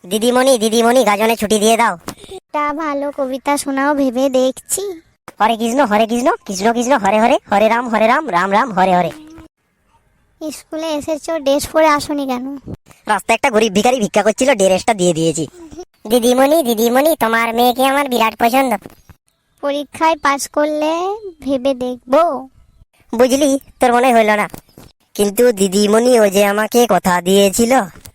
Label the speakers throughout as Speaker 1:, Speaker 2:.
Speaker 1: দিদিমণি দিদিমণি গাজনে ছুটি দিয়ে দাও।
Speaker 2: তা ভালো কবিতা শোনাও ভেবে দেখছি।
Speaker 1: হরে কৃষ্ণ কৃষ্ণ কৃষ্ণ হরে হরে, হরে রাম রাম রাম হরে হরে।
Speaker 2: স্কুলে এসেছো, ড্রেস পরে আসোনি কেন?
Speaker 1: রাস্তায় একটা গরিব ভিখারি ভিক্ষা করছিল, ড্রেসটা দিয়ে দিয়েছি। দিদিমণি দিদিমণি তোমার মেয়েকে আমার বিরাট পছন্দ।
Speaker 2: পরীক্ষায় পাশ করলে ভেবে দেখবো।
Speaker 1: বুঝলি, তোর মনে হইল না, কিন্তু দিদিমণি ও যে আমাকে কথা দিয়েছিল।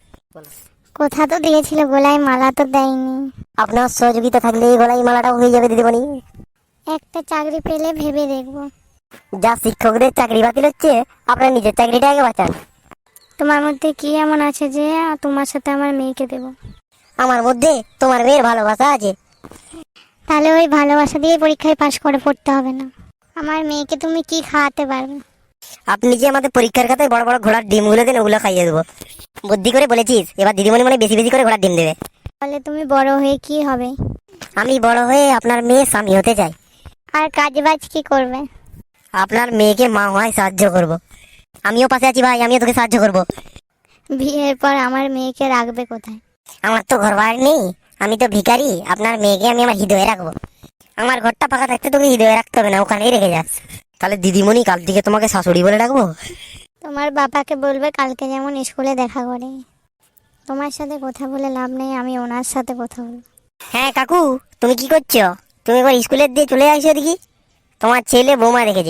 Speaker 2: কথা তো দিয়েছিল, গলায় মালা তো দেয়নি।
Speaker 1: আপনার সহযোগিতা থাকলে এই গলায় মালাটাও হয়ে যাবে দিদিমণি।
Speaker 2: একটা চাকরি পেলে ভেবে দেখবো।
Speaker 1: যা শিক্ষকদের চাকরি বাতিল হচ্ছে, আপনার নিজের চাকরিটা আগে বাঁচান।
Speaker 2: তোমার মধ্যে কি এমন আছে যে তোমার সাথে আমার মেয়েকে দেব?
Speaker 1: আমার মধ্যে তোমার মেয়ের ভালোবাসা আছে।
Speaker 2: তাহলে ওই ভালোবাসা দিয়ে পরীক্ষায় পাশ করে পড়তে হবে না। আমার মেয়েকে তুমি কি খাওয়াতে পারবে?
Speaker 1: আপনি যে আমাদের পরীক্ষার খাতায় বড় বড় ঘোড়ার ডিমগুলো দেন, ওগুলো খাইয়ে দেবো। বুদ্ধি করে বলেছিস, এবার দিদিমণি মানে বেশি বেশি করে ঘোড়ার ডিম দেবে।
Speaker 2: বলে তুমি বড় হয়ে কি হবে?
Speaker 1: আমি বড় হয়ে আপনার মেয়ে স্বামী হতে চাই।
Speaker 2: আর কাজ বাজ কি করবে?
Speaker 1: আপনার মেয়েকে মা হওয়ায় সাহায্য করব। আমিও পাশে আছি ভাই, আমিও তোকে সাহায্য করব।
Speaker 2: বিয়ের পর আমার মেয়েকে রাখবে কোথায়?
Speaker 1: আমার তো ঘর বাড়ি নেই, আমি তো ভিখারি। আপনার মেয়েকে আমি আমার হৃদয়ে রাখবো। আমার ঘরটা ফাঁকা থাকতে তোকে হৃদয়ে রাখতে হবে না, ওখানেই রেখে যাস। তাহলে দিদিমণি কাল থেকে তোমাকে শাশুড়ি বলে ডাকবো।
Speaker 2: তোমার বাবাকে বলবে কালকে যেমন স্কুলে দেখা করে। তোমার সাথে কথা বলে লাভ নেই, আমি ওনার সাথে কথা বলবো।
Speaker 1: হ্যাঁ কাকু, তুমি কি করছো? তুমি একবার স্কুলের দিয়ে চলে আসো দেখি, তোমার ছেলে বৌমা রেখেছে।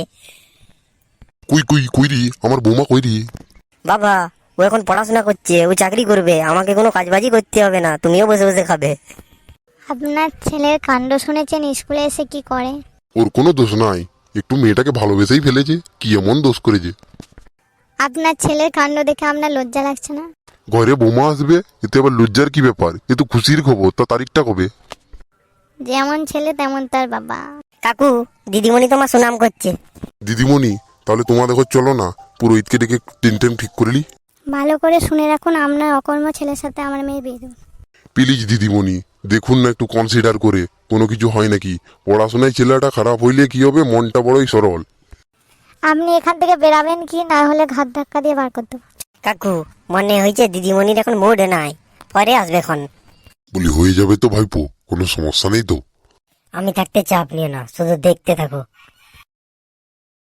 Speaker 3: কই কই কই রে, আমার বৌমা কই রে?
Speaker 1: বাবা, ও এখন পড়াশোনা করছে, ও চাকরি করবে, আমাকে কোনো কাজবাজি করতে হবে না, তুমিও বসে বসে খাবে।
Speaker 2: আপনার ছেলের কাণ্ড শুনেছেন? স্কুলে এসে কি করে?
Speaker 3: ওর কোনো দোষ নাই, একটু মেয়েটাকে ভালোবেসেই ফেলেছে। কি এমন দোষ করেছে?
Speaker 2: আপনার ছেলের কাণ্ড দেখে আপনার লজ্জা লাগছে না?
Speaker 3: ঘরে বৌমা আসবে, এতে আবার লজ্জার কি ব্যাপার? এ তো খুশির খবর। তা তারিখটা কবে?
Speaker 2: যেমন ছেলে তেমন তার বাবা।
Speaker 1: কাকু, দিদিমণি তোমার সুনাম করছে।
Speaker 3: দিদিমণি, তাহলে তোমার দেখো চলো না, পুরোহিতকে ডেকে টেন ঠিক করলি।
Speaker 2: ভালো করে শুনে রাখুন, আপনার অকর্ম ছেলের সাথে আমার মেয়ে বিয়ে দেব।
Speaker 3: প্লিজ দিদিমণি, দেখুন না একটু কনসিডার করে, কোনো কিছু হয় নাকি। পড়াশোনায় ছেলেটা খারাপ হইলে কি হবে, মনটা বড়ই সরল।
Speaker 2: আপনি এখান থেকে বেরাবেন কি, না হলে ঘাত ধাক্কা দিয়ে বার করতে পারবো।
Speaker 1: কাকু, মনে হয়েছে দিদিমণির এখন মুড নাই, পরে আসবে এখন।
Speaker 3: বলি হয়ে যাবে তো ভাইপো, কোনো সমস্যা নেই তো?
Speaker 1: আমি থাকতে চাপ নিও না, শুধু দেখতে থাকো।